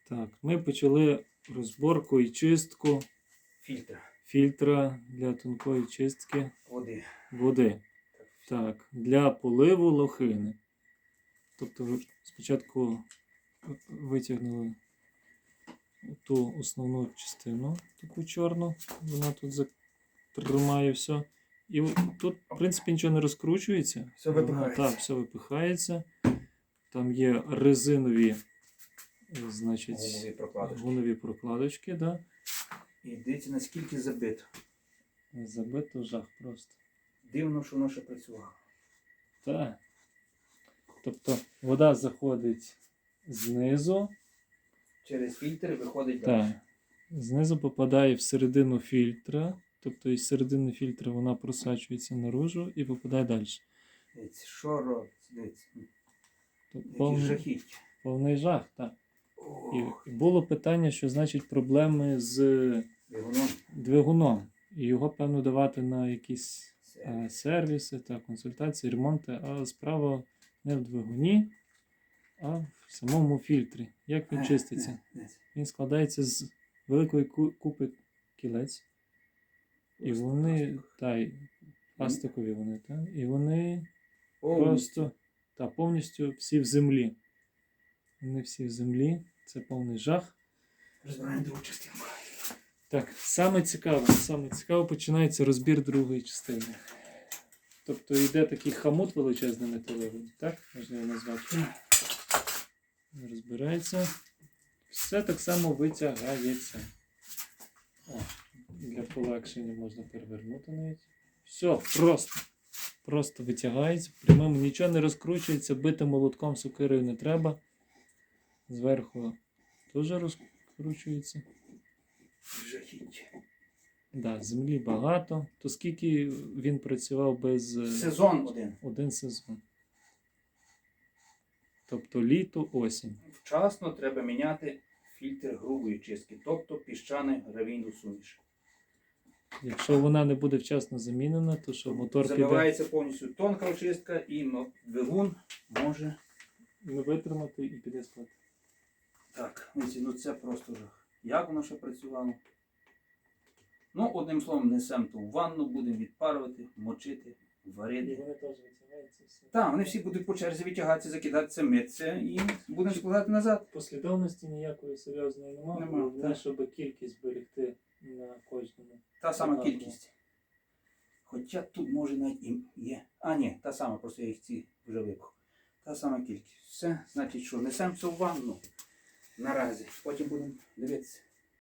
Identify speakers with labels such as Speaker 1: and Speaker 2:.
Speaker 1: Так, ми почали розборку і чистку фільтра для тонкої чистки води. Так, для поливу лохини. Тобто спочатку витягнули ту основну частину, таку чорну, вона тут тримає все. І тут, в принципі, нічого не розкручується.
Speaker 2: Все випихається.
Speaker 1: Так, все випихається. Там є резинові, значить, гумові прокладочки. Да?
Speaker 2: І дивіться, наскільки забито.
Speaker 1: Забито жах просто.
Speaker 2: Дивно, що воно ще працювало.
Speaker 1: Так. Тобто вода заходить знизу.
Speaker 2: Через фільтр виходить
Speaker 1: Так.
Speaker 2: далі.
Speaker 1: Знизу попадає всередину фільтра. Тобто із середини фільтра вона просачується наружу і попадає далі.
Speaker 2: Дивіться, що робить? Дивіться.
Speaker 1: Повний,
Speaker 2: жахіття.
Speaker 1: повний жах, так. І було питання, що значить проблеми з двигуном. І його, певно, давати на якісь сервіси, консультації, ремонти. А справа не в двигуні, а в самому фільтрі. Як він чиститься? Він складається з великої купи кілець. І вони, пластикові вони, і вони просто повністю всі в землі. Вони всі в землі, це повний жах.
Speaker 2: Розбираємо другу частинку.
Speaker 1: Так, саме цікаве починається розбір другої частини. Тобто йде такий хомут величезний металевий, так? Можна його назвати. Розбирається. Все так само витягається. Для полегшення можна перевернути навіть. Все, просто витягається. Прямим нічого не розкручується, бити молотком сокирою не треба. Зверху теж розкручується.
Speaker 2: Жахіття.
Speaker 1: Да, землі багато. То скільки він працював без...
Speaker 2: Сезон один.
Speaker 1: Один сезон. Тобто літо, осінь.
Speaker 2: Вчасно треба міняти фільтр грубої чистки, тобто піщане гравійну суміш.
Speaker 1: Якщо вона не буде вчасно замінена, то що мотор піде...
Speaker 2: Забивається повністю тонка очистка і двигун може...
Speaker 1: не витримати і піде спати.
Speaker 2: Так, це просто жах. Як воно ще працювало? Одним словом, несемо ту ванну, будемо відпарувати, мочити, варити.
Speaker 1: І вони теж витягаються все.
Speaker 2: Так, вони всі будуть по черзі витягатися, закидатися, митися і будемо складати назад.
Speaker 1: Послідовності ніякої серйозної немає. Головне, щоб кількість зберегти на кожному.
Speaker 2: Та сама кількість. Хоча тут може навіть і є. Ні, та сама, просто я їх ці вже випав. Та сама кількість. Все, значить що, несемо все в ванну наразі. Потім будемо дивитися.